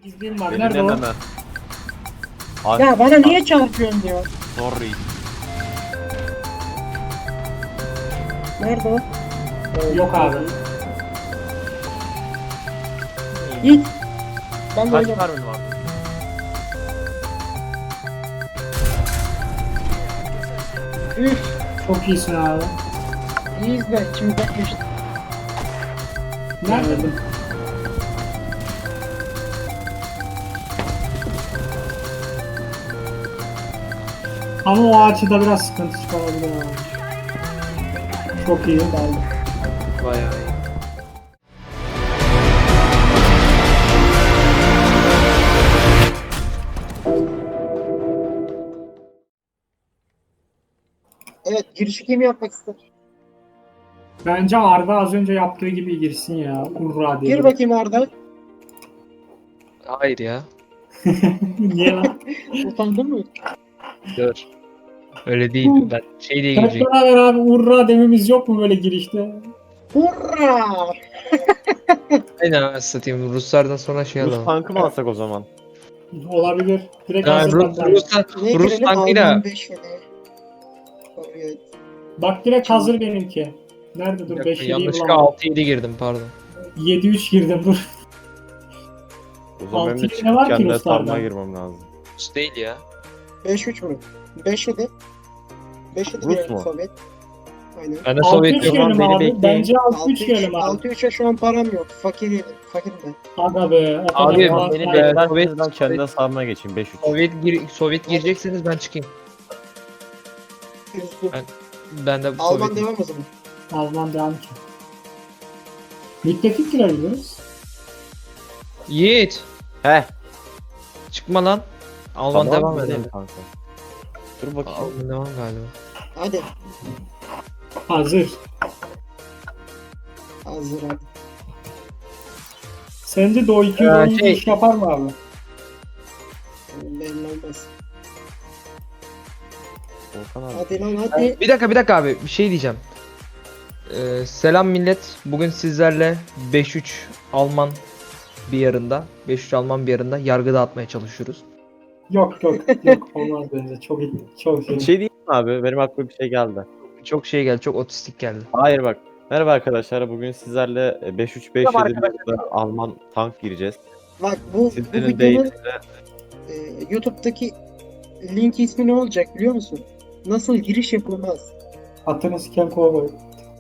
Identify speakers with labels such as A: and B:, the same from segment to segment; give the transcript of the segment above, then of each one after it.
A: İzleyeyim var. Nerede o?
B: Eline
C: Ya bana niye çarpıyorsun diyor.
B: Sorry.
C: Nerede o?
A: Yok abi.
C: Git. Ben de
B: Kaç
C: oynayayım.
B: mermin var?
C: Üf.
A: Çok iyisin abi.
C: İyiyiz de içimizden geçti.
A: Nerede? Ama o açıda biraz sıkıntı çıkarabilir abi. Çok iyi.
D: Bayağı iyi.
C: Evet, girişi kim yapmak ister?
A: Bence Arda az önce yaptığı gibi girsin ya. Hurra diye.
C: Gir bakayım Arda.
D: Hayır ya.
A: Niye lan?
C: Utandın mı?
D: Dur. Öyle değil. Ben şey diye
A: Hep
D: girecek.
A: beraber abi hurra dememiz yok mu böyle girişte?
C: Hurra!
D: Aynen satayım. Ruslardan sonra şey
B: Rus
D: alalım.
B: tankı mı alsak o zaman?
A: Olabilir. Direkt
D: Yani
A: hazır
D: Rus,
A: bak.
C: Ne
D: Rus
C: girelim?
D: tankıyla
C: Alman 5 yedi. Evet.
A: Bak direkt hazır benimki. Nerede dur? 5 7'yi
D: yanlışlıkla
A: bulamadım.
D: 6-7 girdim pardon.
A: 7-3 girdim dur.
B: O zaman benim de
A: Altı ne var
B: çıkıp
A: ki
B: kendine
A: Ruslardan?
B: sarmaya girmem lazım.
D: Rus değil ya.
C: 5-3 mü? 5-7. 5-7
B: Rus
C: girelim
B: mu?
C: Sovyet. Aynen.
D: Ben de
A: 6-3
D: Sovyet yok.
A: girelim
B: beni
A: abi.
B: bekleyin.
A: Bence 6-3 girelim abi.
C: 6-3'e şu an param yok. Fakirim ben.
A: Aga be. O kadar
D: Abi,
A: falan
B: Beni
A: saydı.
D: bekler.
B: beklerseniz ben kendine sarmaya geçeyim 5-3.
D: Sovyet girecekseniz ben çıkayım.
C: Üzgün.
D: Ben de
C: Alman
D: Sovyet.
C: devam o zaman.
A: Alman devam ki. Müttefik girebiliriz.
D: Yiğit.
B: He.
D: Çıkma lan. Alman
B: Tamam,
D: devam
B: gidelim
D: edelim.
B: kanka. Dur bakayım.
D: Alman devam galiba.
C: Hadi.
A: Hazır.
C: Hazır hadi.
A: Sence de o 2 oyuncu
D: şey-
A: iş yapar mı abi?
C: Belli olmaz.
B: Volkan abi.
C: Hadi lan hadi.
D: Bir dakika abi. Bir şey diyeceğim. Selam millet. Bugün sizlerle 5-3 Alman bir yarında. 5-3 Alman bir yarında yargı dağıtmaya çalışıyoruz.
A: Yok olmaz bence. Çok
B: Bir şey diyeyim mi abi? Benim aklıma bir şey geldi.
D: Çok şey geldi. Çok otistik geldi.
B: Hayır bak. Merhaba arkadaşlar. Bugün sizlerle 5-3-5-7
D: Merhaba
B: bir Alman tank gireceğiz.
C: Bak bu
B: Sizlerin
C: videonun
B: deyimiyle
C: YouTube'daki link ismi ne olacak biliyor musun? Nasıl giriş yapılmaz?
A: Atını siken kovboy.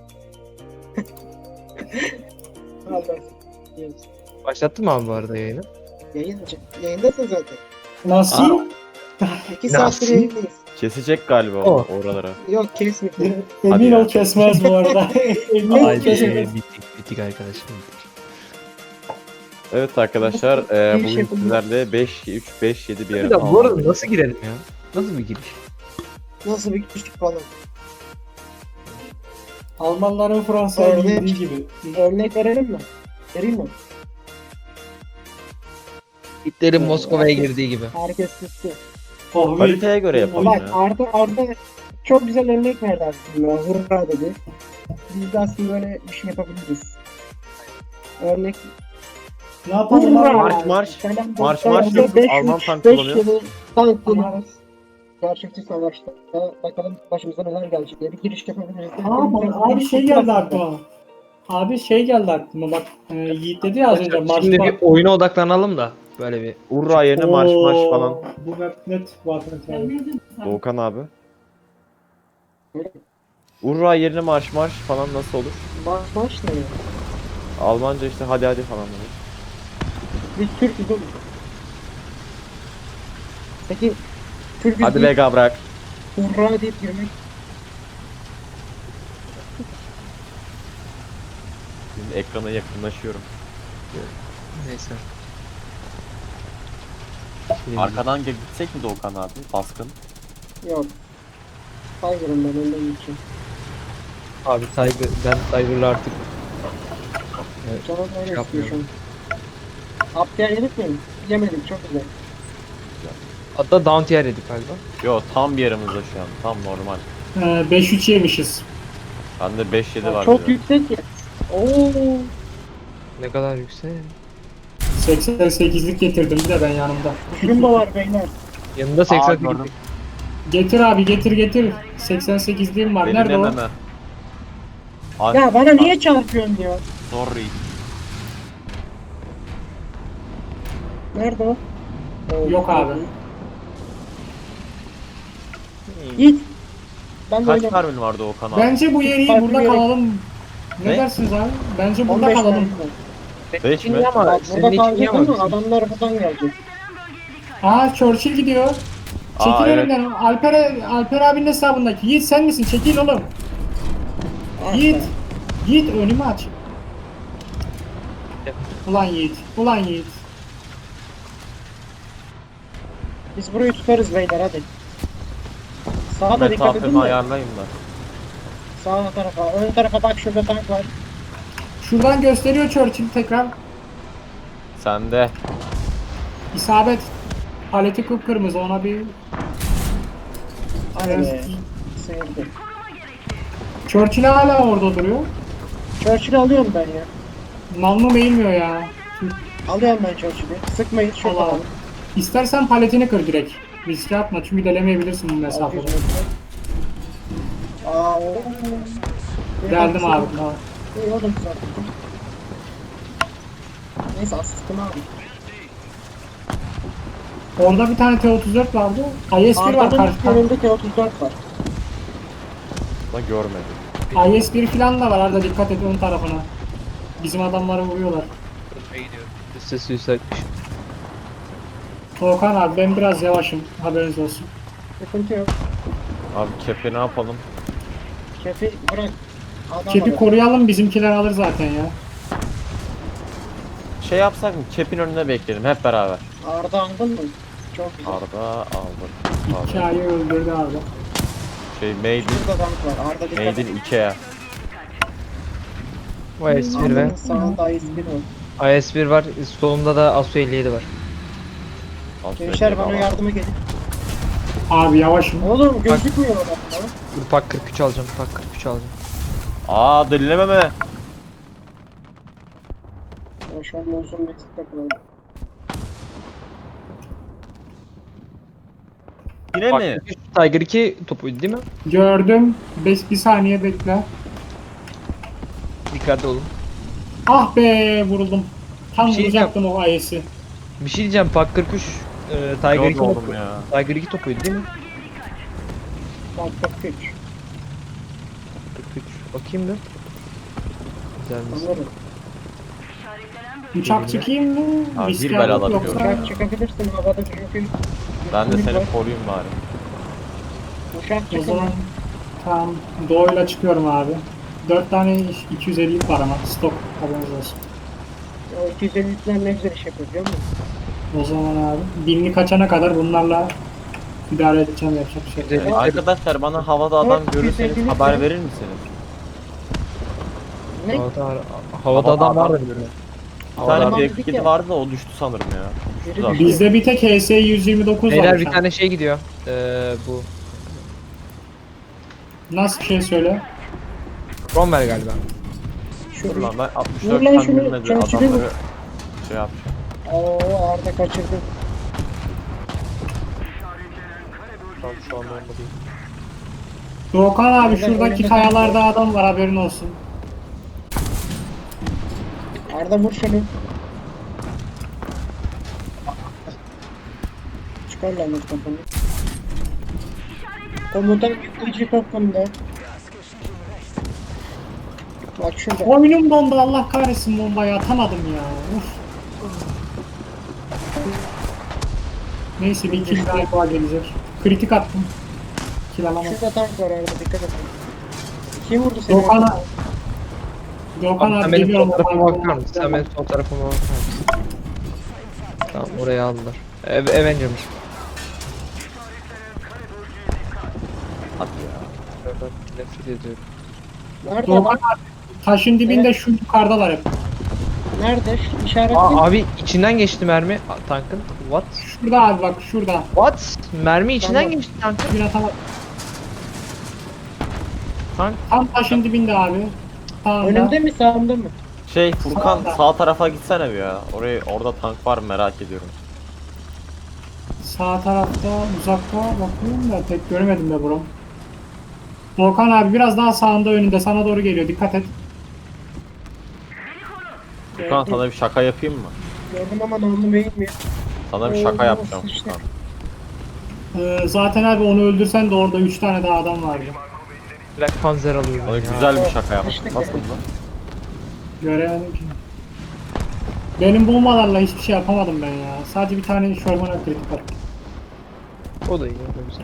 C: Allah.
D: Başlattın mı abi bu arada yayını?
C: Yayındasın zaten.
A: Nasıl?
C: 2 saattir
D: Nasıl?
C: yayındayız.
B: kesecek galiba
D: O.
B: oralara.
C: Yok kesmedi.
A: Emin
B: Hadi
A: ol
B: ya.
A: kesmez bu arada. Emin ol
D: Haydi
A: kesmez.
D: bittik arkadaşım. Bittik.
B: Evet arkadaşlar
C: Giriş
B: bugün
C: yapılmaz.
B: sizlerle 5-3-5-7 bir
D: Bir
B: yarın
D: dakika bu arada nasıl girelim ya? Nasıl bir giriş?
C: Nasıl bir giriş falan.
A: Almanların Fransa'ya
C: Örnek.
A: girdiği gibi.
C: Örnek verelim mi? Vereyim mi?
D: Hitler'in Moskova'ya girdiği gibi.
C: Herkes sustu.
A: Oh,
B: Haritaya göre yapalım
C: Bak
B: ya.
C: Arda çok güzel örnek verdi aslında. Hurra dedi. Biz de aslında böyle bir şey yapabiliriz. Örnek.
A: Ne yapalım
C: Hurra!
A: abi?
B: Marş, marş.
C: Selam
B: Marş,
C: dostlar.
B: marş yok.
C: 5-3,
B: Alman tank
C: 5
B: kullanıyor.
C: yılı tank kullanıyoruz. Gerçekçi savaşta. Bakalım başımıza neler gelecek diye bir giriş yapabiliriz.
A: Abi şey geldi aklıma. Abi şey geldi aklıma bak. Yiğit dedi ya az önce marş
D: Şimdi
A: var.
D: bir oyuna odaklanalım da. Böyle bir.
B: Urra yerine marş marş
A: Oo,
B: falan.
A: Bu map net zaten.
B: Doğukan abi. Urra yerine marş marş falan nasıl olur?
C: Baş ne ya?
B: Almanca işte hadi hadi falan olur.
C: Biz Türk'üz oğlum. Peki Türk'üz
B: Hadi
C: deyip
B: Vega bırak.
C: hurra deyip girmek.
B: Şimdi ekrana yakınlaşıyorum.
D: Neyse.
B: Arkadan gitsek mi Doğukan abi? Baskın.
C: Yok. Tiger'ım ben önden gideceğim.
D: Abi ben Tiger'la artık
C: Canım öyle istiyor
D: yapmıyorum.
C: şu an. Aptiyer yedik mi? Yemedim çok güzel.
D: hatta down tier yedik galiba.
B: Yo tam bir yerimizde şu an. Tam normal.
A: 5-3 yemişiz.
B: Bende 5-7 var.
C: Çok
B: diyor.
C: yüksek ya. Oo.
D: Ne kadar yüksek.
A: 88'lik getirdim bir de ben yanımda.
C: Şurumba var beyler.
D: Yanında
B: Aa,
D: 88.
B: gördüm.
A: Getir abi getir. 88'liğim var.
B: Beni
A: Nerede o?
B: deneme. Ay,
C: Ya bana niye çarpıyorsun ya?
B: Sorry.
C: Nerede o?
A: Yok abi.
C: Git. Ben de
B: Kaç
C: öyle.
B: mermin vardı o kanal?
A: Bence bu yeri
C: Farklı
A: burada
C: bir yere-
A: kalalım. Ne
B: Ne?
A: dersiniz abi? Bence burada
C: 15
A: kalalım.
C: mermi var.
B: 5 mi?
D: Ama
C: Bak
D: senin
C: burada
D: için
C: kalacak
D: iyi ama
C: ama
D: bizim-
C: adamlar buradan gelecek.
A: Aa Churchill gidiyor. Çekil
B: Aa, evet.
A: önümden. Alper abinin hesabındaki. Yiğit sen misin? Çekil oğlum.
C: Ah
A: Yiğit.
C: be.
A: Yiğit önümü aç. Ulan Yiğit. Ulan Yiğit.
C: Biz burayı tutarız beyler hadi. Sağa da dikkat edin
B: Mesafemi
C: de.
B: ayarlayayım da.
C: Sağ tarafa, ön tarafa bak şurada tank var.
A: Şuradan gösteriyor Churchill tekrar.
B: Sende.
A: İsabet. Paleti kıpkırmızı ona bir...
C: Hadi be. Sıyırdı.
A: Churchill hala orada duruyor.
C: Churchill'i alıyorum ben ya.
A: Namlum eğilmiyor ya.
C: Alıyorum ben Churchill'i. Sıkmayın şurada.
A: Allah. İstersen paletini kır direkt. Riske atma çünkü delemeyebilirsin bu mesafede.
C: Aa o.
A: Geldim abi.
C: İyi oğlum zaten. Neyse asistim abi.
A: Orada bir tane T-34 vardı. IS-1 var
C: Arda'nın
A: karşıda.
C: önünde T-34 var.
B: Da görmedim.
A: IS-1 falan da var Arda dikkat et ön tarafına. Bizim adamları vuruyorlar.
D: Ölmeye gidiyorum. Üste suikaytmış.
A: Volkan abi ben biraz yavaşım haberiniz olsun.
C: Sıkıntı yok.
B: Abi kepi ne yapalım?
C: Kepi bırak. Adam
A: Kepi
C: alır.
A: koruyalım bizimkiler alır zaten ya.
B: Şey yapsak mı? Kepin önünde bekleyelim hep beraber.
C: Arda aldın mı? Çok güzel.
B: Arda aldım.
A: Hikayeyi öldürdü Arda.
B: Şey Made in,
C: Şurada tank var. Arda dikkat
B: Made
C: et.
B: in Ikea.
D: O IS-1 ve
C: Arda'nın sağında IS-1 var.
D: IS-1 var. Solumda da Asu 57 var.
C: Gençler bana yardıma gelin.
A: Abi yavaşım.
C: Oğlum gözükmüyor adamlar.
D: Dur pak 43 alacağım. Pak 43 alacağım.
B: Aa delilememe.
C: Ya şu an uzun meksikte takılalım.
B: Yine
D: Pak
B: mi?
D: 43 Tiger 2 topuydu değil mi?
A: Gördüm. Bir saniye bekle.
D: Dikkatli olun.
A: Ah be vuruldum. Tam
D: Bir şey
A: vuracaktım o IS'i.
D: Bir şey diyeceğim. Pak 43 Tiger 2
B: Yok oğlum
D: topu.
B: ya.
D: Tiger 2 topuydu değil mi?
C: Bak bak güç.
D: 43. Bakayım bir. Güzel mi?
C: Anlarım.
A: Uçak çıkayım mı?
B: Abi,
A: Riske
B: bir bel
A: alıp
B: alabiliyorum.
A: yoksa...
C: Uçak çıkabilirsin havada çünkü.
B: Ben de
C: Uçak
B: seni
C: var.
B: koruyayım bari.
C: Uçak
A: O zaman
C: çıkın.
A: tamam doğuyla çıkıyorum abi. 4 tane 250'lik var ama stok haberiniz olsun.
C: O 250'likler ne güzel iş yapıyor biliyor musun?
A: O zaman abi binlik açana kadar bunlarla idare edeceğim yapacak bir şey. yok.
B: Arkadaşlar bana havada adam
C: Evet,
B: görürseniz
C: güzel,
B: haber
C: güzel.
B: verir misiniz?
C: Ne?
D: Havada adam
B: Havada
D: vardı.
B: adam.
D: böyle.
B: Bir
C: Havada
B: tane
C: adam
B: F7
C: dedik ya.
B: vardı da o düştü sanırım ya.
C: Biri
B: Düştü zaten.
C: düştü.
A: Bizde bir tek HS 129
D: Beyler
A: var.
D: bir tane şey gidiyor. Bu.
A: Nasıl bir şey söyle?
D: Cromwell galiba.
B: Dur
C: Şu
B: lan ben
C: Vur
B: 64
C: lan
B: tane
C: şunu,
B: bilmedi
C: Churchill'i vur.
B: adamları şey yapacağım.
C: Oo Arda kaçırdı.
B: Tam şu an olmadı.
A: Doğukan abi
C: Beyler,
A: şuradaki
C: önünde
A: kayalarda adam var haberin olsun.
C: Arda vur şunu. Çıkar lan o kafanı. Komutan yükleyici toplamda. Bak şurada.
A: Oyunum dondu Allah kahretsin bombayı atamadım ya. Uf. Neyse bir kill daha gelecek. Kritik attım. Kill alamadım.
C: Şurada tank var Arda dikkat et. Kim vurdu seni?
A: Doğukan'a Doğukan
D: Abi, sen
A: abi
D: benim
A: geliyorum.
D: sol tarafıma
A: bombayı
D: bakar mısın? Sen benim sol tarafıma bakar mısın? Tamam oraya aldılar. Avenger'mış.
B: Hadi ya.
D: Ben nefret ediyorum.
C: Nerede?
A: Doğukan abi taşın dibinde şu yukarıdalar hep.
C: Nerede? İşaretli.
D: Abi içinden geçti mermi tankın. What?
A: Şurada abi bak şurada.
D: What? Mermi içinden
C: Tamam.
D: geçti tankın.
A: Bir atama.
D: Tank.
A: Tam taşın dibinde abi. Tamam.
C: Önümde mi sağımda mı?
B: Şey Furkan sağ tarafa gitsene bir ya. Orada tank var mı merak ediyorum.
A: Sağ tarafta uzakta bakıyorum da pek göremedim de buram. Volkan abi biraz daha sağında önünde sana doğru geliyor dikkat et.
B: Furkan sana bir şaka yapayım mı?
C: Gördüm ama namlu beğenmiyor.
B: Sana bir şaka
C: Oo,
B: yapacağım
C: sıçtık.
B: Furkan.
A: Zaten abi onu öldürsen de orada 3 tane daha adam vardı.
D: Black Panzer alıyorum
B: Sana
D: ya.
B: güzel bir şaka yaptım.
C: Sıçtık
B: Nasıl
C: yani.
B: mı?
A: Göremedim ki. Benim bombalarla hiçbir şey yapamadım ben ya. Sadece bir tane Sherman'a kritik var.
D: O da iyi, o da güzel.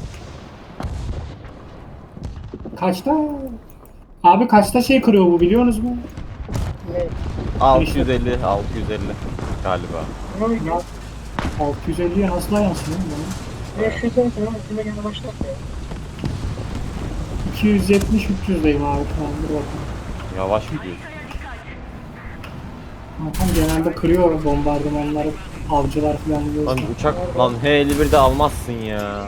A: Kaçta? Abi kaçta şey kırıyor bu biliyorsunuz mu?
C: Ne?
B: 650 galiba.
C: Ne oldu?
A: Ya 650'ye nasıl dayansın oğlum bana?
C: 500 olsun ama üstüme gene başlat ya.
A: 270-300'deyim abi şu an. Dur bakalım.
B: Yavaş gidiyorsun.
A: Zaten genelde kırıyor bombardımanları, avcılar falan
B: Lan
A: biliyorsun.
B: uçak lan H-51'de almazsın ya.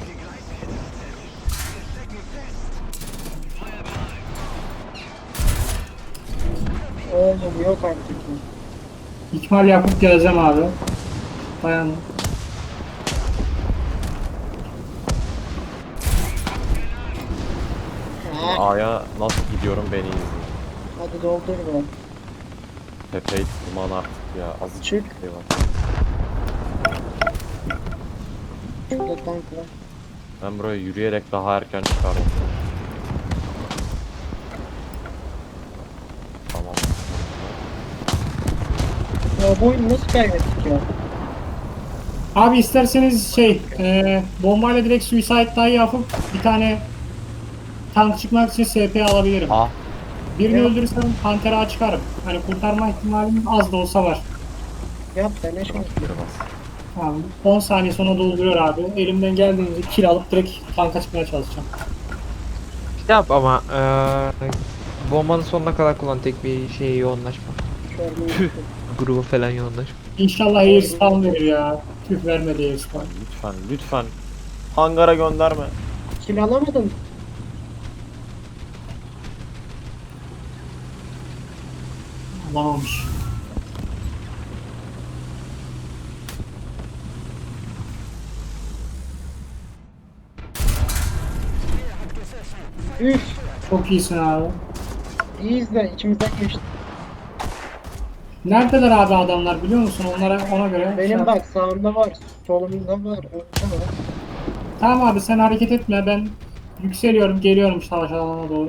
C: Oğlum yok artık.
A: İkmal yapıp geleceğim abi. Dayanın.
B: A'ya nasıl gidiyorum beni izleyin.
C: Hadi doldur be.
B: Tepeyi tırman artık ya. Azıcık
C: Çık.
B: şey var.
C: Şurada tank var.
B: Ben buraya yürüyerek daha erken çıkardım. Tamam.
C: Ya bu oyunu nasıl kaybettik ya?
A: Abi isterseniz bombayla direkt suicide dive yapıp bir tane tank çıkmak için SP alabilirim.
B: Ah
A: Birini
C: Ya.
A: öldürürsem Pantera çıkarım. Hani kurtarma ihtimalim az da olsa var.
C: Yap be ne şans.
B: kırmaz.
A: Abi 10 saniye sonra dolduruyor abi. Elimden geldiğince kill alıp direkt tanka çıkmaya çalışacağım.
D: Bir yap ama bombanın sonuna kadar kullan, tek bir şeye yoğunlaşma.
C: Şöyle
D: Grubu falan yoğunlaşma.
A: İnşallah air spawn verir ya. Tüh vermedi air spawn.
B: Lütfen. Hangara gönderme.
C: kill alamadın.
A: Alamamış.
C: Üf.
A: Çok iyisin abi.
C: İyiyiz de içimizden geçti.
A: Neredeler abi adamlar biliyor musun? Ona göre.
C: Benim bak sağımda var, solumda var, önümde var.
A: Tamam abi sen hareket etme ben yükseliyorum geliyorum savaş alanına doğru.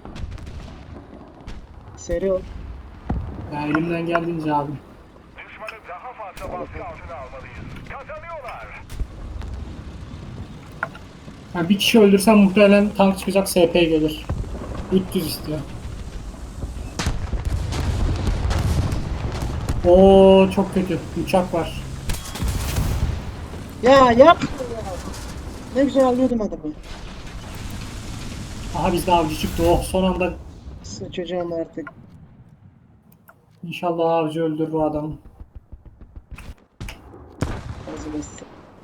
C: Seri ol.
A: Yani elimden geldiğince abi.
E: Düşmanı daha fazla baskı altına almalıyız. Kazanıyorlar.
A: Yani bir kişi öldürsem muhtemelen tank çıkacak SP gelir. 300 istiyor. Oo çok kötü. Uçak var.
C: Ya yapma ya. Ne güzel alıyordum adamı.
A: Aha bizde avcı çıktı. Oh son anda
C: Sıçacağım artık.
A: inşallah avcı öldürür o adamı.
C: Hazırlasın.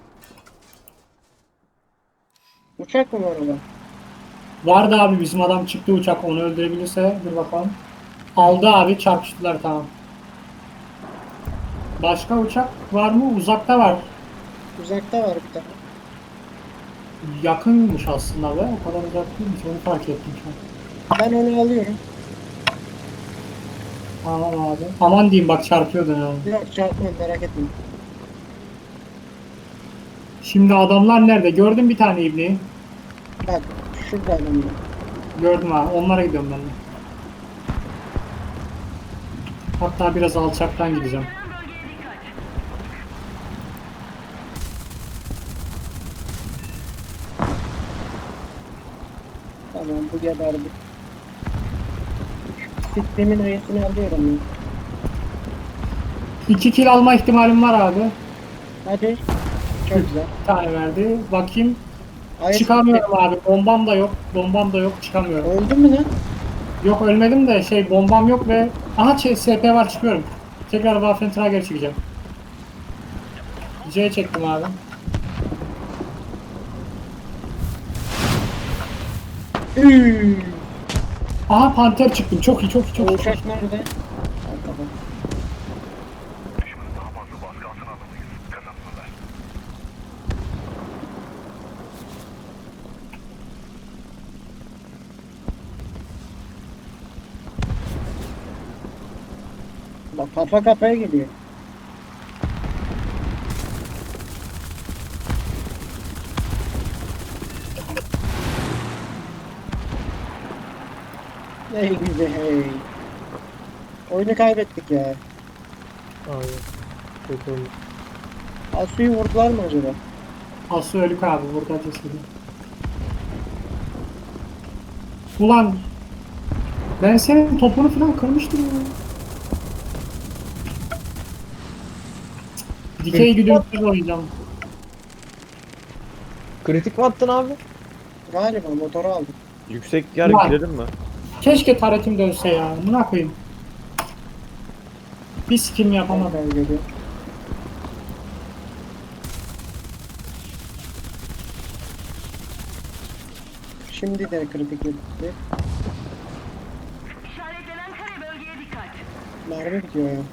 C: Uçak mı var orada?
A: Vardı abi bizim adam çıktı uçak onu öldürebilirse dur bakalım. Aldı abi çarpıştılar tamam. Başka uçak var mı? Uzakta var.
C: Uzakta var bir tane.
A: Yakınmış aslında be. O kadar uzak değilmiş. Onu fark ettim şu an.
C: Ben onu alıyorum.
A: Tamam abi. Aman diyeyim bak çarpıyordun ya.
C: Yok çarpmam merak etme.
A: Şimdi adamlar nerede? Gördüm bir tane ibneyi.
C: Bak şurada adamlar.
A: Gördüm abi. Onlara gidiyorum ben de. Hatta biraz alçaktan gideceğim.
C: Tamam bu geberdi. Sistemin ayısını alıyorum ya.
A: 2 kill alma ihtimalim var abi.
C: Hadi. Çok güzel.
A: Bir tane verdi. Bakayım.
C: Ayısı
A: Çıkamıyorum abi. Bombam da yok. Bombam da yok. Çıkamıyorum.
C: öldü mü lan?
A: Yok ölmedim de bombam yok ve aha SP var çıkıyorum. Tekrar Waffentrager çıkacağım. C çektim abi.
C: Üüüü.
A: Aha panter çıktım. Çok iyi çok iyi çok
C: O
A: iyi.
C: uçak nerede? Bak kafa kafaya geliyor. Hey güzel hey. Oyunu kaybettik ya.
D: Abi. Kötü oldu.
C: Asu'yu vurdular mı acaba?
A: Aslı ölük abi burada cesedi. Ulan ben senin topunu falan kırmıştım ya. Dikey güdümsüz oynayacağım.
D: Kritik mi attın abi?
C: Galiba motoru aldık.
B: Yüksek yer
A: Ulan.
B: girelim mi?
A: Keşke taretim dönse ya. Ne yapayım? Bir sikim yapamadım.
C: Tamam geliyor. Şimdi de kritik etti.
F: İşaretlenen kare bölgeye dikkat.
C: Mermi bitiyor ya.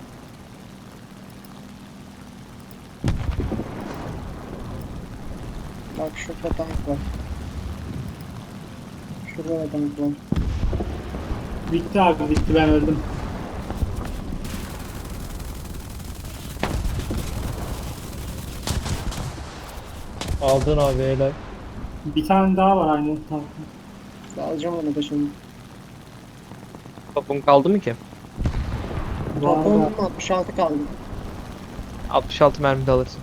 C: Bak şurada tank var. Şurada da tank var.
A: Bitti abi bitti ben öldüm.
D: Aldın abi helal.
A: Bir tane daha var aynı tankta.
C: Alacağım onu da şimdi.
D: Topun kaldı mı ki?
C: Toplam
A: Var.
C: 66 kaldı.
D: 66 mermi de alırsın.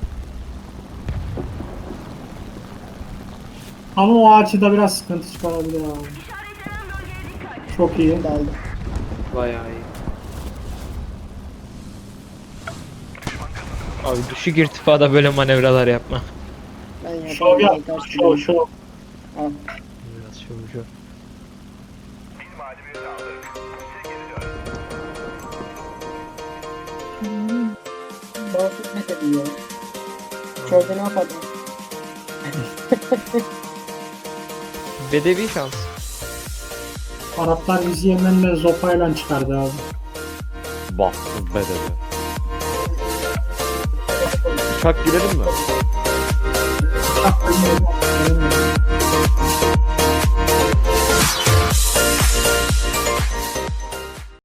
A: Ama o açıda biraz sıkıntı çıkarabilir abi.
F: İşaretlenen bölgeye dikkat.
A: Çok iyi.
C: Şimdi aldım.
D: Bayağı iyi. Abi düşük irtifada böyle manevralar yapma.
C: Ben
A: Şov
C: yaparım.
A: yap.
C: Ters
A: Şov
C: gidiyorum.
A: şov.
C: Al.
D: Biraz şov.
E: İlmali bir aldık. Bize geri dön.
C: Bağımsız mesele ya. Çölde ne yapalım?
D: Bedevi şans.
A: Araplar bizi Yemen'le zopayla çıkardı abi.
B: Bahtsız bedeli. Uçak girelim mi?
A: Çok